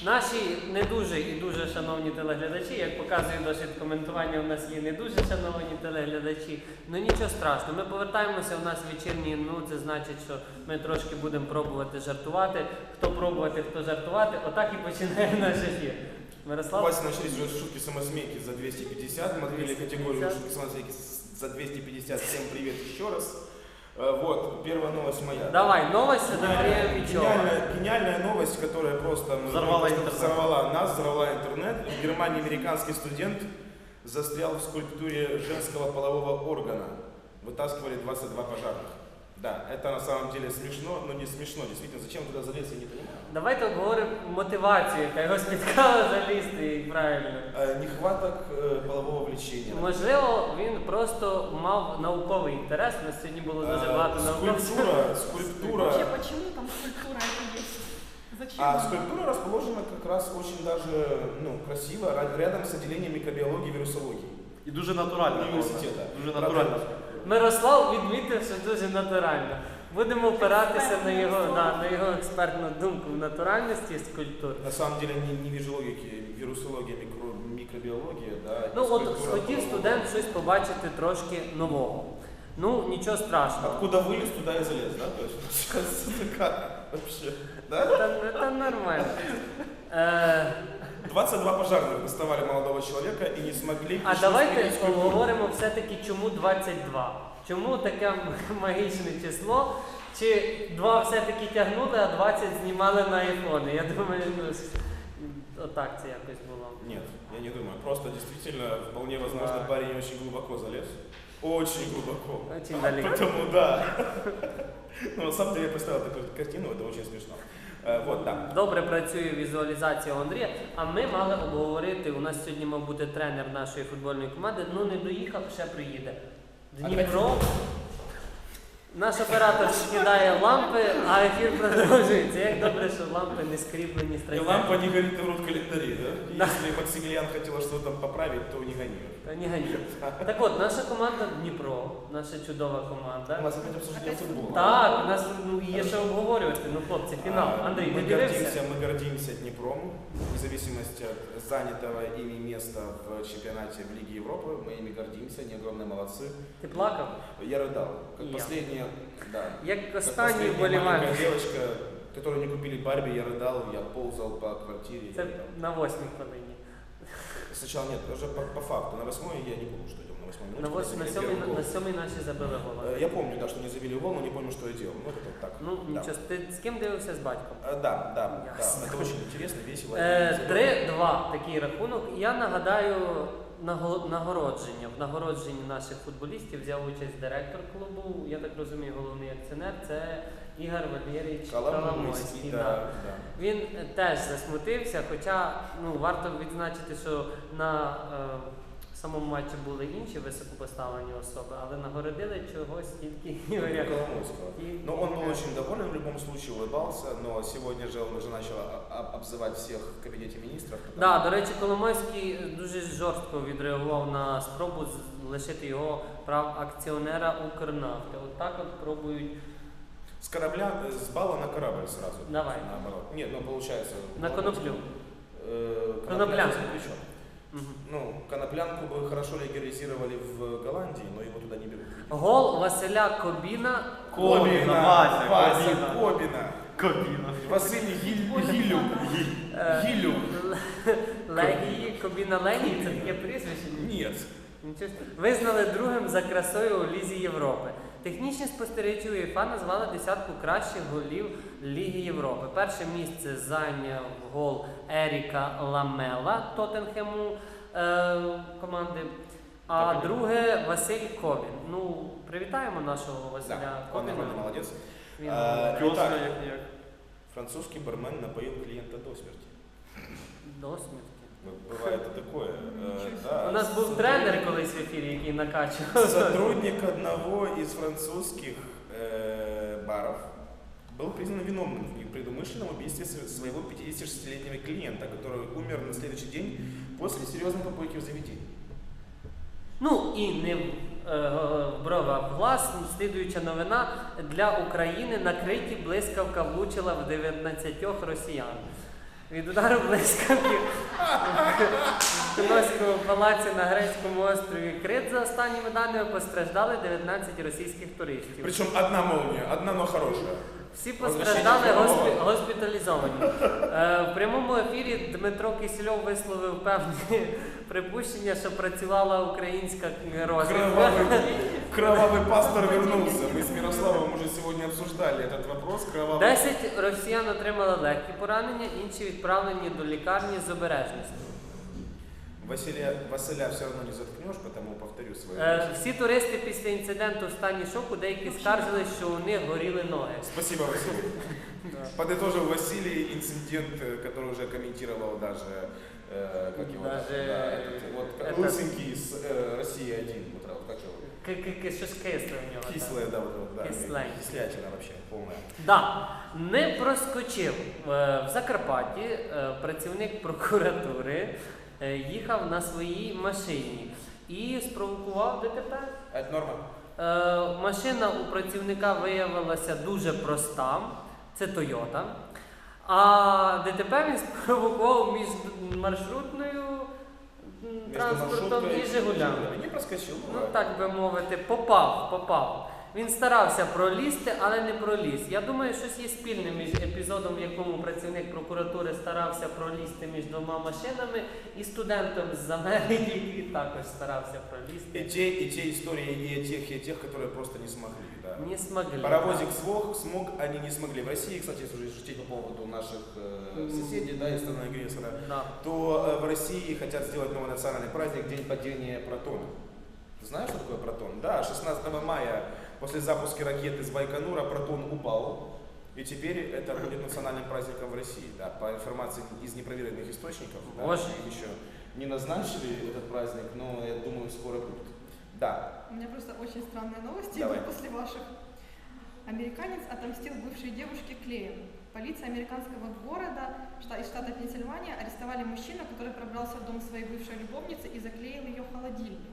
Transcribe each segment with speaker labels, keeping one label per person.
Speaker 1: Наші не дуже і дуже шановні телеглядачі, як показує досвід коментування, у нас є не дуже шановні телеглядачі, ну нічого страшного, ми повертаємося, у нас вечірні, ну це значить, що ми трошки будемо пробувати жартувати, хто пробувати, хто жартувати, отак і починає наш ефір. Мирослав?
Speaker 2: Давайте начались уже шутки-самосмейки за 250, мы открыли категорию шутки-самосмейки за 250, всем привет еще раз. Вот, первая новость моя.
Speaker 1: Давай, новость от Андрея Пичева.
Speaker 2: Гениальная новость, которая просто взорвала нас, взорвала интернет. В Германии американский студент застрял в скульптуре женского полового органа. Вытаскивали 22 пожарных. Да, это на самом деле смешно, но не смешно. Действительно, зачем туда залез, я не понимаю.
Speaker 1: Давайте обговоримо мотивацію, яка його спіткала залізти, і правильно.
Speaker 2: Нехваток полового влечения.
Speaker 1: Можливо, він просто мав науковий інтерес, у нас сьогодні було дуже багато науковців.
Speaker 2: Скульптура.
Speaker 3: Вообще, почему там скульптура это есть? Зачем?
Speaker 2: А скульптура расположена как раз очень даже красиво, рядом с отделением микробиологии и вирусологии.
Speaker 4: І дуже натурально.
Speaker 2: Університету.
Speaker 4: Дуже натурально.
Speaker 1: Мирослав відмітив, що дуже натурально. Будемо опиратися на його експертну думку в натуральності скульптур.
Speaker 2: На самом деле не вижологики, вирусология, микробиология. Да,
Speaker 1: Ну от хотів студент щось побачити трошки нового. Ну, нічого страшного.
Speaker 2: Откуда вылез, туда и залез, да? То есть, как вообще? Да?
Speaker 1: Це нормально.
Speaker 2: 22 пожарных доставали молодого человека и не смогли...
Speaker 1: А давайте поговоримо все-таки, чому 22. Чому таке магічне число? Чи 2 все-таки тягнули, а 20 знімали на айфони? Я думаю, отак це якось було.
Speaker 2: Нет, я не думаю. Просто действительно, вполне возможно, парень очень глубоко залез. Очень глубоко.
Speaker 1: Очень далеко.
Speaker 2: Поэтому да. Ну, на самом деле, я представил такую картину, это очень смешно. Вот, да.
Speaker 1: Добре працює візуалізація у Андрія, а ми мали обговорити, у нас сьогодні мав бути тренер нашої футбольної команди, ну не доїхав, ще приїде. Дніпро. Наш оператор скидає лампи, а ефір продовжується. Як добре, що лампи не скріплені з
Speaker 2: И
Speaker 1: трансляцією.
Speaker 2: лампа не горит в рот календаре, да? Если Максимилиан хотела что-то там поправить, то не гони.
Speaker 1: Та ні, гані. Так от, наша команда Дніпро, наша чудова
Speaker 2: У
Speaker 1: команда.
Speaker 2: нас опять обсуждение футбола.
Speaker 1: Так, у нас є що обговорювати. Ну, хлопці, фінал. Андрій, ти дивився?
Speaker 2: Мы гордимся Днепром, вне зависимости от занятого ими места в чемпионате в Лиге Европы. Мы ими гордимся, они огромные молодцы.
Speaker 1: Ти плакав?
Speaker 2: Я рыдал, как
Speaker 1: Я.
Speaker 2: последняя, да.
Speaker 1: Як
Speaker 2: Как
Speaker 1: останній
Speaker 2: последняя
Speaker 1: вболівальник.
Speaker 2: маленькая девочка, которую не купили Барби, я рыдал, я ползал по квартире.
Speaker 1: Це
Speaker 2: я рыдал.
Speaker 1: на 8-й хвилині.
Speaker 2: Сначала нет, даже по факту. На 8-й я не помню, что делал. На 8-й минуте.
Speaker 1: На
Speaker 2: когда забили первый гол.
Speaker 1: 7-й наші забили гола.
Speaker 2: Я помню, да, что не забили гол, но не помню, что я делал. Ну, это так.
Speaker 1: Ну,
Speaker 2: да.
Speaker 1: нічого, ти з ким дивився з батьком?
Speaker 2: Да.
Speaker 1: Ясно.
Speaker 2: Это очень интересно, весело.
Speaker 1: 3-2 такий рахунок. Я нагадаю нагородження. В нагородженні наших футболістів взяв участь директор клубу, я так розумію, головний акціонер, це Ігор Валерійович Коломойський.
Speaker 2: Да.
Speaker 1: Він теж засмутився, хоча варто відзначити, що на самому матчі були інші високопоставлені особи, але нагородили чогось тільки Ігоря
Speaker 2: Коломойского. Но он был очень доволен, в любом случае улыбался, но сегодня же он уже начал обзывать всех в кабинете министров.
Speaker 1: Да, до речі, Коломойський дуже жорстко відреагував на спробу лишити його прав акціонера Укрнафти. От так от пробують.
Speaker 2: С корабля, с бала на корабль сразу.
Speaker 1: Давай.
Speaker 2: Наоборот. Нет, ну получается...
Speaker 1: На коноплю.
Speaker 2: Коноплянку запрещен.
Speaker 1: Угу.
Speaker 2: Ну, коноплянку бы хорошо легализировали в Голландии, но его туда не берут.
Speaker 1: Гол Василя Кобіна.
Speaker 4: Вася,
Speaker 2: Кобина. Василий Гилюк.
Speaker 1: Легії, Кобіна Легії, це таке прізвище?
Speaker 2: Нет.
Speaker 1: Нічого. Визнали другим за красою у Лізі Європи. Технічні спостерігачі УЄФА назвали десятку кращих голів Ліги Європи. Перше місце зайняв гол Еріка Ламела Тоттенхему команди, а друге Василь Кобін. Ну, привітаємо нашого Василя
Speaker 2: Да, он
Speaker 1: Кобіна.
Speaker 2: нормально, молодец.
Speaker 1: Він
Speaker 2: Итак, французский бармен напоил клиента до смерти.
Speaker 1: до смерті.
Speaker 2: Бывает и такое. Да.
Speaker 1: У нас був тренер колись в ефірі, який накачував.
Speaker 2: Сотрудник одного из французских баров был признан виновным в предумышленном убийстве своего 56-летнего клиента, который умер на следующий день после серьезной попойки в заведении.
Speaker 1: Ну і не в бровах глаз, слідуюча новина для України: на Криті блискавка влучила в 19 росіян. Від удару блискавки в Кноському палаці на грецькому острові Крит, за останніми даними, постраждали 19 російських туристів.
Speaker 2: Причем одна молния, одна, но хорошая.
Speaker 1: Всі постраждали госпіталізовані. В прямому ефірі Дмитро Кисельов висловив певні припущення, що працювала українська розвідка.
Speaker 2: Кровавый пастор вернулся. Мы с Мирославом уже сегодня обсуждали этот вопрос.
Speaker 1: 10 росіян отримали легкі поранення, інші відправлені до лікарні з обережністю.
Speaker 2: Василя все равно не заткнешь, потому повторю свою.
Speaker 1: Всі туристи після інциденту в стані шоку, деякі скаржились, що у них горіли ноги.
Speaker 2: Спасибо, Василий. Подытожил Василий инцидент, который уже комментировал даже, как его, лысенький из России 1, вот как его?
Speaker 1: Щось кисле в нього.
Speaker 2: Кислое, да, вот, да.
Speaker 1: Кисленькое.
Speaker 2: Кислятина вообще полная.
Speaker 1: Да, не проскочив. В Закарпатті працівник прокуратури їхав на своїй машині і спровокував ДТП.
Speaker 2: Это норма?
Speaker 1: Машина у працівника виявилася дуже проста, це Toyota. А ДТП він спровокував між маршрутною транспортом і Жигулями.
Speaker 2: Не проскочил.
Speaker 1: Ну так би мовити, попав. Він старався пролізти, але не проліз. Я думаю, щось є спільне між епізодом, в якому працівник прокуратури старався пролізти між двома машинами, і студентом з Америки, який також старався пролізти.
Speaker 2: И те истории, и тех, которые просто не смогли. Да.
Speaker 1: Не смогли.
Speaker 2: Паровозик смог, они не смогли. В России, кстати, если уже шутить по поводу наших соседей, да, и страны-агрессора,
Speaker 1: Да.
Speaker 2: то в России хотят сделать новый национальный праздник День падения Протона. Знаешь, что такое Протон? Да, 16 мая после запуска ракеты с Байконура Протон упал. И теперь это будет национальным праздником в России. Да, по информации из непроверенных источников, да,
Speaker 1: Боже.
Speaker 2: их еще не назначили этот праздник, но я думаю, скоро будет. Да.
Speaker 3: У меня просто очень странные новости
Speaker 2: Давай.
Speaker 3: идут после ваших. Американец отомстил бывшей девушке клеем. Полиция американского города из штата Пенсильвания арестовали мужчину, который пробрался в дом своей бывшей любовницы и заклеил ее холодильник.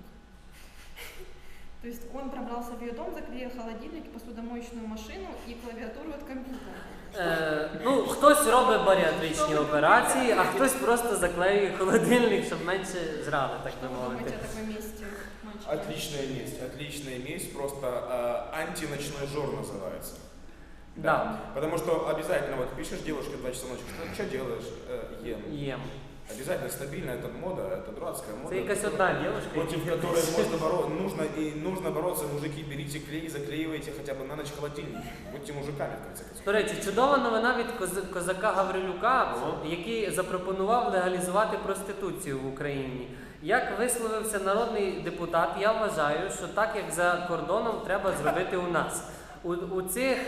Speaker 3: То есть он пробрался в ее дом, заклеил холодильник, посудомоечную машину и клавиатуру от компьютера.
Speaker 1: Ну, хтось робить баріатричні операції, а хтось просто заклеює холодильник, щоб менше жрали, так
Speaker 3: Что
Speaker 1: би
Speaker 3: вы думаете
Speaker 1: мовити.
Speaker 3: о такой месте, мальчики?
Speaker 2: Отличная месть, просто антиночной жор называется.
Speaker 1: Да.
Speaker 2: Потому что обязательно, вот пишешь девушке в 2 часа ночи, что делаешь? Ем.
Speaker 1: Єм.
Speaker 2: Обязательно стабильно, это мода, это дурацкая мода.
Speaker 1: Це якась одна дівчинка.
Speaker 2: Против которой нужно бороться, мужики, берите клей, заклеивайте хотя бы на ночь холодильник. Будьте мужиками, в конце концов.
Speaker 1: До речі, чудова новина від козака Гаврилюка, який запропонував легалізувати проституцію в Україні. Як висловився народний депутат, я вважаю, що так, як за кордоном, треба зробити у нас. У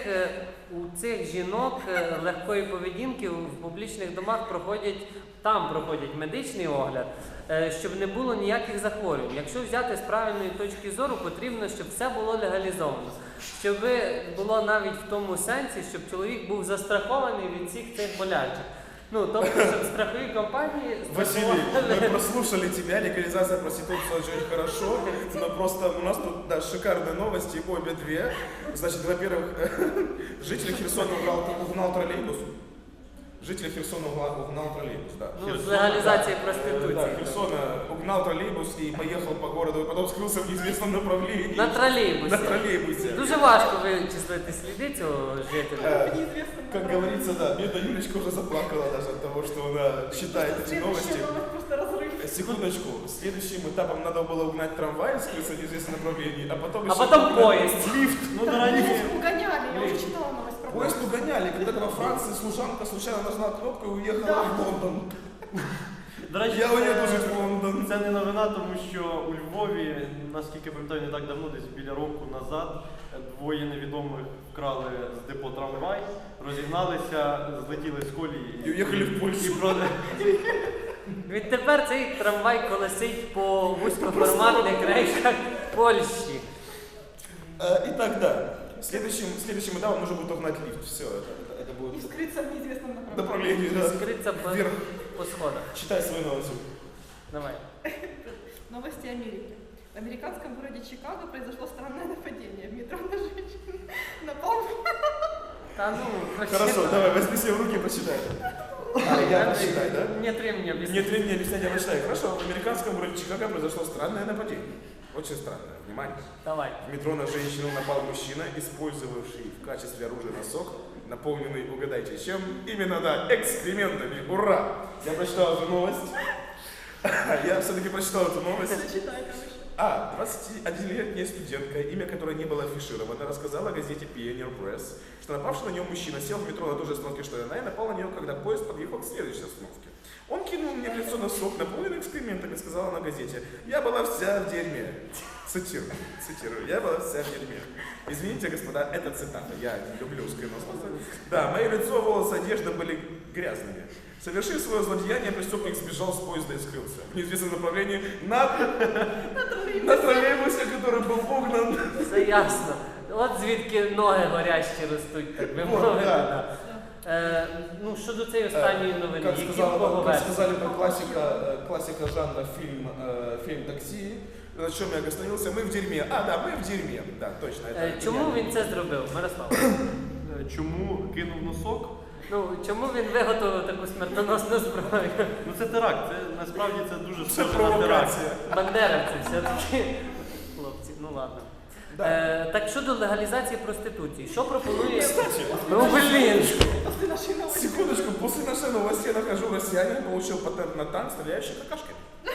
Speaker 1: цих жінок легкої поведінки в публічних домах проходять медичний огляд, щоб не було ніяких захворювань. Якщо взяти з правильної точки зору, потрібно, щоб все було легалізовано. Щоб було навіть в тому сенсі, щоб чоловік був застрахований від всіх цих болячок. Ну, тобто, щоб страхові компанії...
Speaker 2: Василий, мы прослушали тебя, легализация проституции очень хорошо, но просто у нас тут, да, шикарные новости, обе две. Значит, во-первых, житель Херсона угнал троллейбус. Житель Херсона угнал троллейбус, да.
Speaker 1: Ну, з легалізації
Speaker 2: Да,
Speaker 1: проституції.
Speaker 2: Херсона угнал троллейбус и поехал по городу, и потом скрылся в неизвестном направлении.
Speaker 1: На тролейбусі.
Speaker 2: На троллейбусе.
Speaker 1: Дуже важко вичислити сліди цього жителя.
Speaker 2: Как говорится, да, бедная Юлечка уже заплакала даже от того, что она читает эти новости.
Speaker 3: Следующая новость просто разрыв.
Speaker 2: Секундочку, следующим этапом надо было угнать трамвай, скрыться в неизвестном направлении, а потом
Speaker 1: А
Speaker 2: еще
Speaker 1: потом
Speaker 2: угнать
Speaker 1: поезд.
Speaker 2: лифт.
Speaker 4: Ну, дорогие.
Speaker 3: Поезд угоняли, я уже читала новость про
Speaker 2: Поезд угоняли, когда во Франции служанка случайно нажала кнопку и уехала в Лондон.
Speaker 4: До речі,
Speaker 2: Я уеду жить в Лондон.
Speaker 4: це не новина, тому що у Львові, наскільки пам'ятаю, не так давно, десь біля року назад, двоє невідомих вкрали з депо трамвай, розігналися, злетіли з колії
Speaker 2: І уїхали в Польщу.
Speaker 1: Відтепер цей трамвай колесить по вузькоформатних рейках Польщі.
Speaker 2: Итак, да. Следующим этапом нужно будет угнать лифт. Все, это
Speaker 3: И
Speaker 2: будет
Speaker 3: скрыться в неизвестном направлении.
Speaker 2: направление. Да.
Speaker 1: Скриться
Speaker 2: Вверх.
Speaker 1: по сходах.
Speaker 2: Читай свою новость.
Speaker 1: Давай.
Speaker 3: Новости Америки. В американском городе Чикаго произошло странное нападение. В метро на женщину напал.
Speaker 1: Та ну,
Speaker 2: Хорошо, давай, возьми себя в руки и почитай. Я считаю, да?
Speaker 1: Нет времени объяснить.
Speaker 2: Нет времени объяснять, я прочитаю. Хорошо, в американском городе Чикаго произошло странное нападение. Очень странное. Внимание.
Speaker 1: Давай.
Speaker 2: В метро на женщину напал мужчина, использовавший в качестве оружия носок, наполненный, угадайте чем? Именно, да, экскрементами. Ура! Я прочитал эту новость. Я все-таки прочитал эту новость. 21-летняя студентка, имя которой не было афишировано, рассказала газете Pioneer Press, что напавший на нее мужчина сел в метро на той же остановке, что и она, и напал на нее, когда поезд подъехал к следующей остановке. Он кинул мне в лицо носок, наполненный экскрементами, сказала на газете. Я была вся в дерьме. Цитирую. Я была вся в дерьме. Извините, господа, это цитата. Я люблю скринососы. Да, мое лицо, волосы, одежда были грязными. Совершив свое злодеяние, преступник сбежал с поезда и скрылся в неизвестном направлении на троллейбусе, который был вогнан.
Speaker 1: Все ясно. От звідки ноги горящі ростуть, так би
Speaker 2: Вот,
Speaker 1: мовити.
Speaker 2: да.
Speaker 1: Да. Ну, щодо цієї останньої новини,
Speaker 2: Как
Speaker 1: які
Speaker 2: сказали,
Speaker 1: поговерти?
Speaker 2: бы классика жанра фильм «Такси», на чем я остановился, мы в дерьме. Да, мы в дерьме. Да, точно. Это
Speaker 1: Чому він це зробив, Мирослав?
Speaker 4: Чому кинув носок?
Speaker 1: Ну, чому він виготовив таку смертоносну зброю?
Speaker 4: Ну це теракт, це насправді це дуже
Speaker 2: Це
Speaker 4: схоже на теракт.
Speaker 2: провокація.
Speaker 1: Бандеровці все-таки. Хлопці, ну ладно.
Speaker 2: Да.
Speaker 1: Так щодо легалізації проституції, що пропонує...
Speaker 2: Кстати,
Speaker 1: Ну, блін!
Speaker 3: После нашей новости.
Speaker 2: секундочку, после нашей новости я нахожу россиянин, получил патент на танк, стреляющий какашками.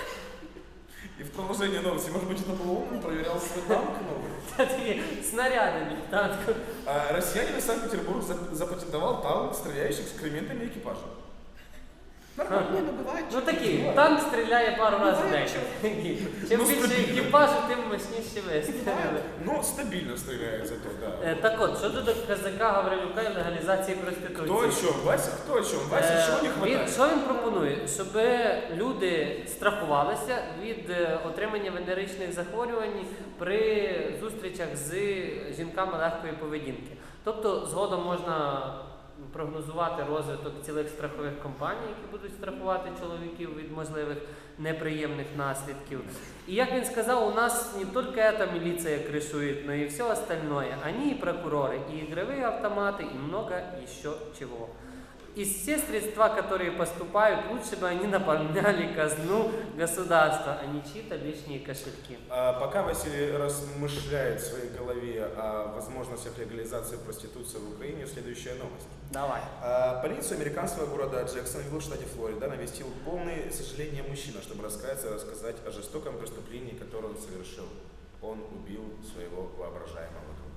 Speaker 2: И в продолжение новости, может быть, это был он проверял свой танк новый.
Speaker 1: Це такі снаряди від танку.
Speaker 2: Россиянин из Санкт-Петербурга запатентовал танк, стреляющий экскрементами экипажа. Нормально.
Speaker 3: Не, ну бывает.
Speaker 1: Ну
Speaker 3: что-
Speaker 1: такі, танк стріляє пару разів в день. Чим
Speaker 2: Ну,
Speaker 1: більше
Speaker 2: стабільно.
Speaker 1: екіпажу, тим мощніше вистріли.
Speaker 2: Но стабильно стреляет зато, да.
Speaker 1: Так от, щодо до Казака Гаврилюка і легалізації проституції.
Speaker 2: Кто о чем, Вася? Кто о чем? Вася, чего не хватает?
Speaker 1: Що він пропонує? Щоб люди страхувалися від отримання венеричних захворювань при зустрічах з жінками легкої поведінки. Тобто згодом можна прогнозувати розвиток цілих страхових компаній, які будуть страхувати чоловіків від можливих неприємних наслідків. И как он сказал, у нас не только эта милиция крышует, но и все остальное. Они и прокуроры, и игровые автоматы, и много еще чего. И все средства, которые поступают, лучше бы они наполняли казну государства, а не чьи-то лишние кошельки.
Speaker 2: Пока Василий размышляет в своей голове о возможностях легализации проституции в Украине, следующая новость.
Speaker 1: Давай.
Speaker 2: Полицию американского города Джексонвилл в штате Флорида навестил полный сожаления мужчина, чтобы раскаяться и рассказать о жестоком преступлении, которое он совершил. Он убил своего воображаемого друга.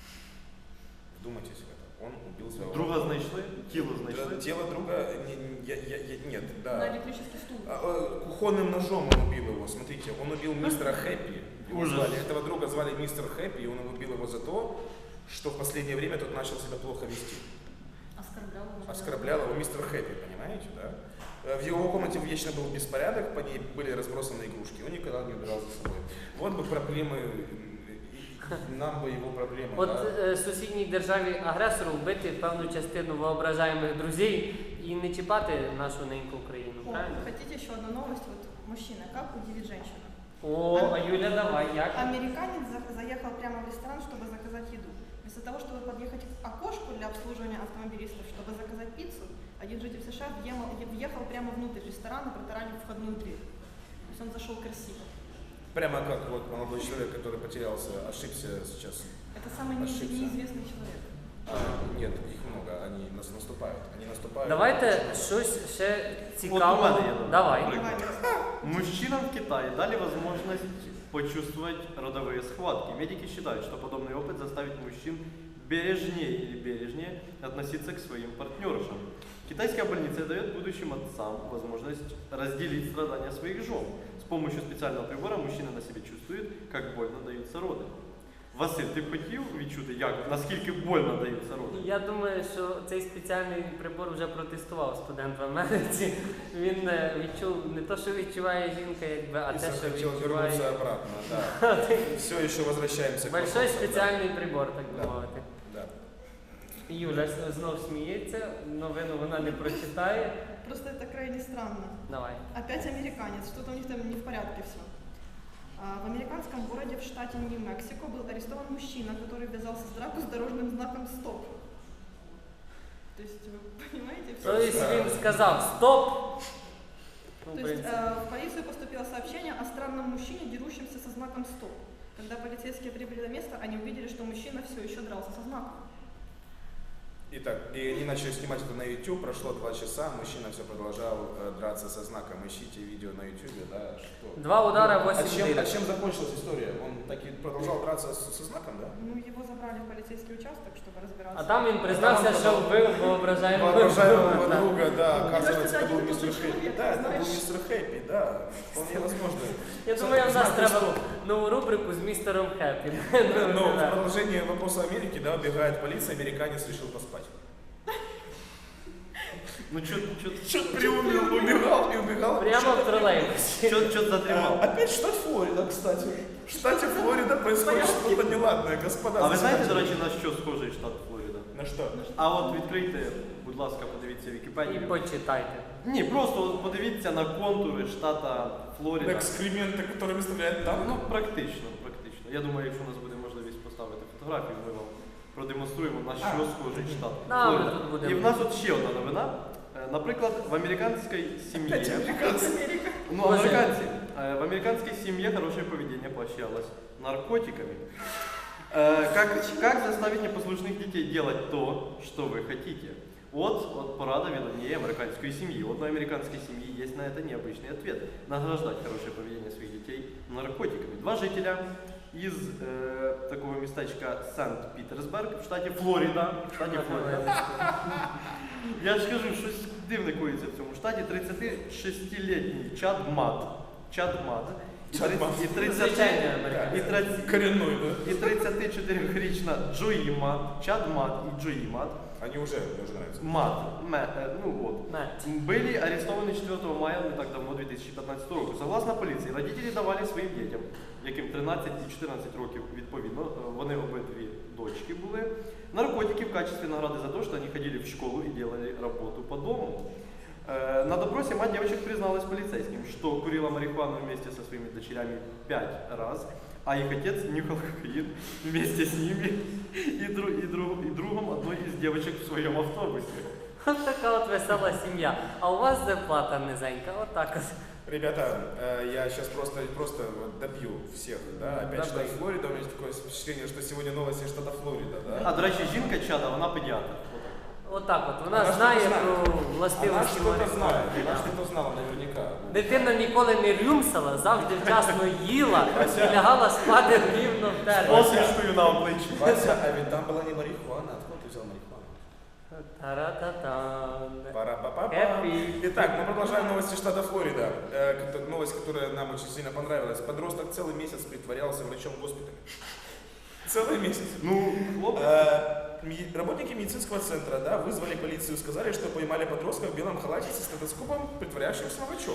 Speaker 2: Вдумайтесь в это. Он убил своего
Speaker 4: Друга знайшли, тіло знайшли.
Speaker 2: Тело друга нет,
Speaker 3: На
Speaker 2: да.
Speaker 3: электрический стул.
Speaker 2: Кухонным ножом он убил его. Смотрите, он убил мистера Хэппи. Его
Speaker 4: Ужас.
Speaker 2: звали. Этого друга звали мистер Хэппи, и он убил его за то, что в последнее время тот начал себя плохо вести.
Speaker 3: Оскорблял.
Speaker 2: Оскорблял его мистер Хэппи, понимаете, да? В его комнате вечно был беспорядок, по ней были разбросаны игрушки, он никогда не убирал за собой. Вот бы проблемы, нам бы его проблемы.
Speaker 1: От
Speaker 2: Да?
Speaker 1: сусідній державі агресору вбити певну частину воображаємих друзей і не чіпати нашу неньку Україну,
Speaker 3: О,
Speaker 1: правильно?
Speaker 3: хотите еще одну новость? Вот мужчина, как удивить женщину?
Speaker 1: О, а Юля, давай, як?
Speaker 3: Американец заехал прямо в ресторан, чтобы заказать еду. Вместо того, чтобы подъехать к окошку для обслуживания автомобилистов, чтобы заказать пиццу, один житель США въехал прямо внутрь ресторана, протаранив входную дверь. То есть он зашел красиво.
Speaker 2: Прямо как вот молодой человек, который потерялся, ошибся сейчас.
Speaker 3: Это самый
Speaker 2: Ошибся.
Speaker 3: неизвестный человек.
Speaker 2: Нет, их много, они нас наступают. Они наступают.
Speaker 1: Давайте щось ще
Speaker 4: От у
Speaker 1: цікаве.
Speaker 4: мене є новина.
Speaker 1: Давай.
Speaker 3: Давай.
Speaker 4: Мужчинам в Китае дали возможность почувствовать родовые схватки. Медики считают, что подобный опыт заставит мужчин бережнее относиться к своим партнершам. Китайская больница дает будущим отцам возможность разделить страдания своих жен. С помощью специального прибора мужчина на себе чувствует, как больно даются роды. Василь, ти б хотів відчути, наскільки больно даються роди?
Speaker 1: Я думаю, що цей спеціальний прибор вже протестував студент в Америці. Він відчув не те, що відчуває жінка, якби, а
Speaker 2: И
Speaker 1: те, що
Speaker 2: захотел
Speaker 1: відчуває.
Speaker 2: вернуться обратно, да. Все еще возвращаемся к
Speaker 1: Большой
Speaker 2: вопросу,
Speaker 1: спеціальний прибор, так би
Speaker 2: Да.
Speaker 1: мовити.
Speaker 2: Да.
Speaker 1: Юля знов сміється, новину вона не прочитає.
Speaker 3: Просто это крайне странно.
Speaker 1: Давай.
Speaker 3: Опять американец, что-то у них там не в порядке все. В американском городе в штате Нью-Мексико был арестован мужчина, который ввязался в драку с дорожным знаком «Стоп». То есть вы понимаете?
Speaker 1: То есть він сказав стоп. Ну, в
Speaker 3: То есть
Speaker 1: принципі.
Speaker 3: в полицию поступило сообщение о странном мужчине, дерущемся со знаком «Стоп». Когда полицейские прибыли на место, они увидели, что мужчина все еще дрался со знаком.
Speaker 2: Итак, и они начали снимать это на YouTube, прошло 2 часа, мужчина все продолжал драться со знаком. Ищите видео на YouTube, да, что...
Speaker 1: 2 удара, 8
Speaker 2: А чем
Speaker 1: дырок.
Speaker 2: закончилась история? Он таки продолжал драться со знаком, да?
Speaker 3: Ну, его забрали в полицейский участок, чтобы разбираться.
Speaker 1: А там він признався, що вбив воображаємого
Speaker 2: Воображаемого
Speaker 1: друга.
Speaker 2: друга, да,
Speaker 3: Мне кажется,
Speaker 2: оказывается, это
Speaker 3: один
Speaker 2: был
Speaker 3: и тот же
Speaker 2: мистер Хэппи.
Speaker 3: человек,
Speaker 2: Да, это был
Speaker 3: знаешь.
Speaker 2: мистер Хэппи, да, вполне возможно.
Speaker 1: Я думаю, в нас
Speaker 2: Знак
Speaker 1: треба
Speaker 2: стоп.
Speaker 1: нову рубрику з містером Хеппі.
Speaker 2: Но в продолжение вопроса Америки, да, убегает полиция, американец решил поспать.
Speaker 4: Ну чё
Speaker 2: Чё приуныл, убегал и убегал.
Speaker 1: Прямо в тролейбусі.
Speaker 4: затримал?
Speaker 2: Опять штат Флорида, кстати. В штате Флорида происходит что-то неладное, господа.
Speaker 4: А ви знаєте, до речі, на що схожий штат Флорида?
Speaker 2: На что?
Speaker 4: А от відкрийте, будь ласка, подивіться
Speaker 1: І
Speaker 4: Вікіпедію.
Speaker 1: почитайте.
Speaker 4: Ні, просто от подивіться на контури штата Флорида.
Speaker 2: Экскременты, которые выставляют там.
Speaker 4: Ну, практично. Я думаю, якщо у нас буде можливість поставити фотографію, ми вам продемонструємо, на що схожий штат
Speaker 1: Да, ми
Speaker 4: Флорида.
Speaker 1: тут будемо.
Speaker 4: І в нас от ще одна новина. Наприклад, в американській сім'ї. Ну,
Speaker 1: Боже.
Speaker 4: американці. В американской семье хорошее поведение поощрялось наркотиками. Как заставить непослушных детей делать то, что вы хотите? Вот порада ведомнее американской семьи. У одной американской семьи есть на это необычный ответ. Награждать хорошее поведение своих детей наркотиками. 2 жителя из такого местечка Санкт-Петербург в штате Флорида. Я ж кажу, щось дивне коїться в цьому штаті. 36-літній Чад Мад.
Speaker 1: Звичайний американець.
Speaker 2: Коренной, да?
Speaker 4: І 34-річна Джої Мад. Чад Мад і Джої Мад.
Speaker 2: Они уже, мне уже нравятся.
Speaker 4: Ну вот.
Speaker 1: Мет.
Speaker 4: Были арестованы 4 мая, не так давно, 2015 року. Согласно поліції, родителі давали своїм дітям, яким 13 і 14 років відповідно, вони обидві дочки були, наркотики в качестве награды за то, что они ходили в школу и делали работу по дому. На допросе мать девочек призналась полицейским, что курила марихуану вместе со своими дочерями 5 раз, а их отец нюхал кокаин вместе с ними и другом одной из девочек в своем автобусе.
Speaker 1: Ось така от весела сім'я. А у вас зарплата низенька, отак от.
Speaker 2: Ребята, я сейчас просто вот добью всех, да? Опять
Speaker 1: Добей.
Speaker 2: штат Флорида, у меня есть такое впечатление, что сегодня новости штата Флорида, да?
Speaker 4: А, до речі, жінка Чада, вона педіатр.
Speaker 1: Отак от. Вона
Speaker 2: Вона
Speaker 1: знає
Speaker 2: що-то знає.
Speaker 1: про
Speaker 2: Она
Speaker 1: властивості
Speaker 2: что-то
Speaker 1: марихуани.
Speaker 2: знает, она что-то знала наверняка.
Speaker 1: Дитина ніколи не рюмсала, завжди вчасно їла і лягала спати рівно в термін.
Speaker 4: Посвідчую на обличчі.
Speaker 2: Вася, а ведь там была не марихуана, откуда ты взял марихуану?
Speaker 1: Та-ра-та-тан.
Speaker 2: Пара-па-па-па.
Speaker 1: Happy.
Speaker 2: Итак, мы продолжаем новости штата Флорида. Новость, которая нам очень сильно понравилась. Подросток целый месяц притворялся врачом в госпитале. Целый месяц.
Speaker 4: Ну, хлопець.
Speaker 2: Работники медицинского центра, да, вызвали полицию, сказали, что поймали подростка в белом халате со стетоскопом, притворяющимся врачом.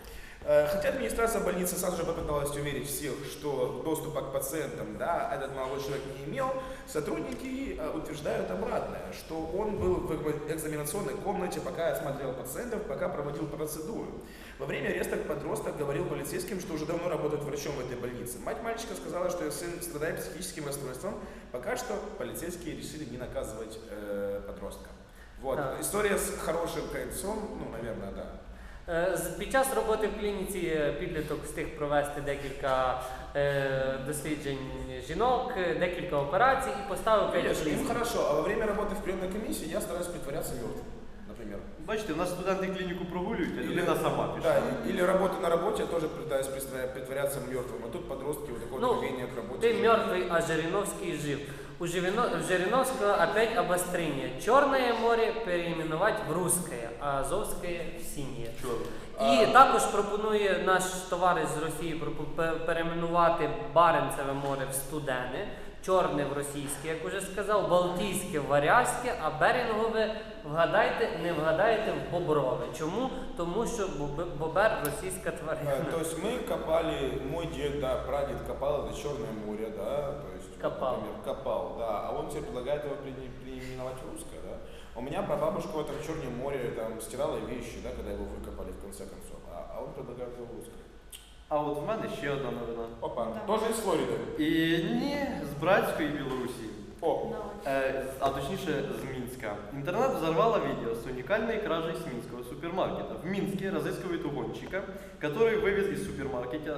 Speaker 2: Хотя администрация больницы сразу же попыталась уверить всех, что доступа к пациентам, да, этот молодой человек не имел, сотрудники утверждают обратное, что он был в экзаменационной комнате, пока осматривал пациентов, пока проводил процедуру. Во время ареста подросток говорил полицейским, что уже давно работает врачом в этой больнице. Мать мальчика сказала, что ее сын страдает психическим расстройством. Пока что полицейские решили не наказывать подростка. Вот.
Speaker 1: Да.
Speaker 2: История с хорошим концом, ну, наверное, да.
Speaker 1: Під час роботи в клініці підліток встиг провести декілька досліджень жінок, декілька операцій і поставив 5
Speaker 2: Конечно, им
Speaker 1: ліс.
Speaker 2: хорошо, а во время работы в приемной комиссии я стараюсь притворяться мертвым, например.
Speaker 4: Бачите, у нас студенти клініку прогулюють, а людина сама пішла.
Speaker 2: Да, или работа на работе, я тоже пытаюсь притворяться мертвым, а тут подростки, вот такое
Speaker 1: Ну,
Speaker 2: поведение к работе.
Speaker 1: Ты мертвый, а Жириновский жив. У Жириновского опять обострение. Черное море переименовать в русское, а Азовское в синее. І також пропонує наш товариш з Росії перейменувати Баренцеве море в Студене, Чорне в російське, як уже сказав, Балтійське в Варязьке, а Берінгове, вгадайте, не вгадаєте, в Боброве. Чому? Тому що бобер російська тварина.
Speaker 2: То есть мы копали, мой дед, да, прадед копал это Черное море, да, то есть,
Speaker 1: Копал.
Speaker 2: например, копал, да, а он теперь предлагает его переименовать в русское, да. У меня прабабушка в этом Черном море там стирала вещи, да, когда его выкопали в конце концов, а он предлагает его в русское.
Speaker 4: А от в мене ще одна новина.
Speaker 2: Опа,
Speaker 3: Да.
Speaker 2: тоже из Флориды.
Speaker 4: І ні, з братської Білорусі.
Speaker 2: О,
Speaker 4: А точніше з Мінська. Интернет взорвало видео с уникальной кражей с минского супермаркета. В Минске разыскивают угонщика, который вывез из супермаркета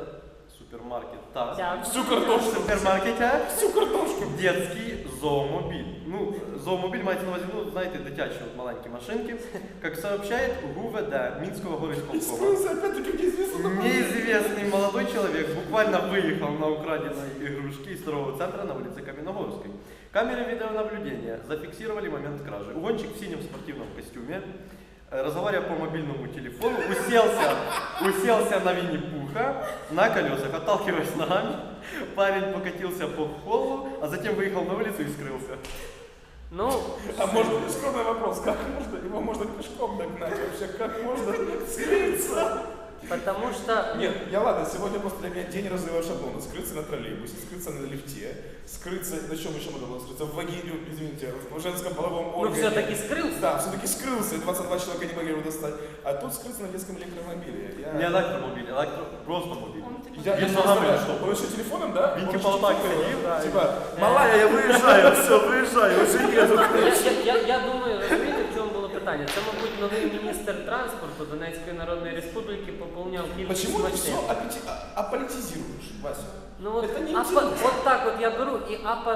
Speaker 2: всю картошку. Всю картошку.
Speaker 4: детский зоомобиль. Ну, зоомобиль мається на увазі, ну, знаєте, дитячі от маленькі машинки. Как сообщает ГУВД Минского горисполкома,
Speaker 2: Скрылся опять-таки неизвестно.
Speaker 4: неизвестный молодой человек буквально выехал на украденной игрушке из торгового центра на улице Каменногорской. Камеры видеонаблюдения зафиксировали момент кражи. Угонщик в синем спортивном костюме, разговаривая по мобильному телефону, уселся на Винни-Пуха на колесах, отталкиваясь ногами. Парень покатился по холлу, а затем выехал на улицу и скрылся.
Speaker 1: Ну,
Speaker 2: А может быть скромный вопрос, как можно, его можно пешком догнать вообще, как можно скрыться?
Speaker 1: потому что...
Speaker 2: Нет, я ладно, сегодня просто для меня день разрыва шаблона. Скрыться на троллейбусе, скрыться на лифте, скрыться, на чем еще можно было скрыться? В вагине, извините, в женском половом
Speaker 1: Ну,
Speaker 2: органе.
Speaker 1: все-таки скрылся.
Speaker 2: Да, все-таки скрылся, и 22 человека не могли его достать. А тут скрыться на детском электромобиле.
Speaker 4: Не электромобиль, просто мобиль.
Speaker 3: Он типа
Speaker 2: Я
Speaker 4: Без
Speaker 2: не
Speaker 4: ногами
Speaker 2: представляю,
Speaker 4: что?
Speaker 2: он еще телефоном, да?
Speaker 4: Він
Speaker 2: Он
Speaker 4: типа
Speaker 2: еще
Speaker 4: вот так
Speaker 2: телефоном.
Speaker 4: ходил, да.
Speaker 2: Типа, малая, я выезжаю, все, выезжаю, уже еду.
Speaker 1: Я думаю, розумієте, в чому було питання? Це, мабуть, новий міністр транспорту Донецької Народної Республіки поповняв кількість
Speaker 2: Почему ты все
Speaker 1: машин.
Speaker 2: аполитизируешь, Вася?
Speaker 1: Ну от,
Speaker 2: Это не
Speaker 1: от так от я беру і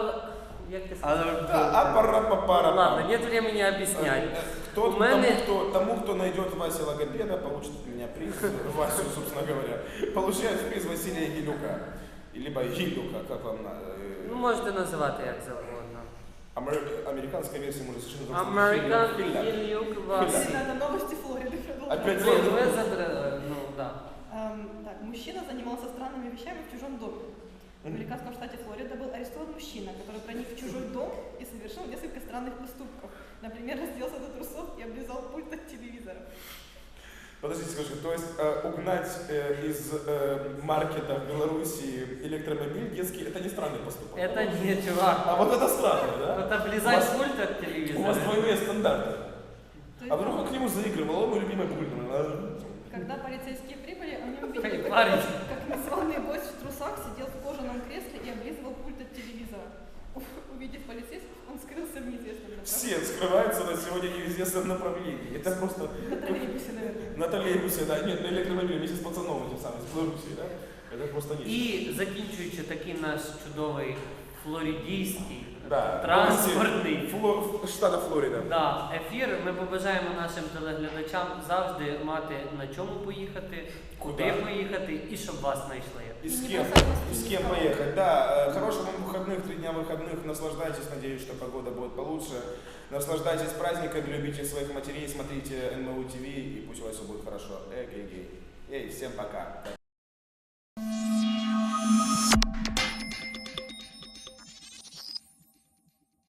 Speaker 1: як ти сказав?
Speaker 2: Да, апара-папара.
Speaker 1: Ладно, нет времени объяснять. У мене...
Speaker 2: Тому, кто найдет Вася логопеда, получит от меня приз, Васю, собственно говоря, получает приз Василия Гилюка. Либо Гилюка, как вам надо.
Speaker 1: Ну, можете називати як завгодно.
Speaker 2: Американская версия может совершенно
Speaker 1: Американ Гілюк Васі.
Speaker 3: на новости Флориды продолжаем.
Speaker 2: Опять
Speaker 1: Ви задрали, ну, да.
Speaker 3: Так, мужчина занимался странными вещами в чужом доме. В американском штате Флорида был арестован мужчина, который проник в чужой дом и совершил несколько странных поступков. Например, разделся до трусов и облизал пульт от телевизора.
Speaker 2: Подождите, скажи, то есть угнать из маркета в Белоруссии электромобиль детский, это не странный поступок?
Speaker 1: Это не чувак.
Speaker 2: А вот это странно, да?
Speaker 1: Вот облизать
Speaker 2: У вас-
Speaker 1: пульт от
Speaker 2: У вас
Speaker 1: телевизора.
Speaker 2: двойные стандарты.
Speaker 3: То есть,
Speaker 2: А вдруг он к нему заигрывал, он мой любимый пульт.
Speaker 3: когда полицейские прибыли, они увидели,
Speaker 1: Эй,
Speaker 3: как,
Speaker 1: парень.
Speaker 3: как незваный гость в трусах сидел в кожаном кресле и облизывал пульт от телевизора. Увидев полицейских, он скрылся в неизвестном направлении.
Speaker 2: Все скрываются на сегодня неизвестном направлении. Это просто
Speaker 3: На троллейбусе, наверное.
Speaker 2: на троллейбусе, да, нет, на электромобиле вместе с пацаном этим самым, с Белоруссии, да? Это просто нет.
Speaker 1: І закінчуючи такий наш чудовий флоридійський,
Speaker 2: Да,
Speaker 1: транспортний
Speaker 2: штата Флорида.
Speaker 1: да, ефір, ми побажаємо нашим телеглядачам завжди мати на чому поїхати, куди
Speaker 2: Куда?
Speaker 1: поїхати і щоб вас знайшли.
Speaker 2: И с
Speaker 3: И не
Speaker 2: кем?
Speaker 3: бросать вас
Speaker 2: И с
Speaker 3: в
Speaker 2: кем
Speaker 3: телефон.
Speaker 2: поехать? Да, хороших вам выходных, 3 дня выходных, наслаждайтесь, надеюсь, что погода будет получше. Наслаждайтесь праздниками, любите своих матерей, смотрите НМУ ТВ, и пусть у вас все будет хорошо. Эй, всем пока.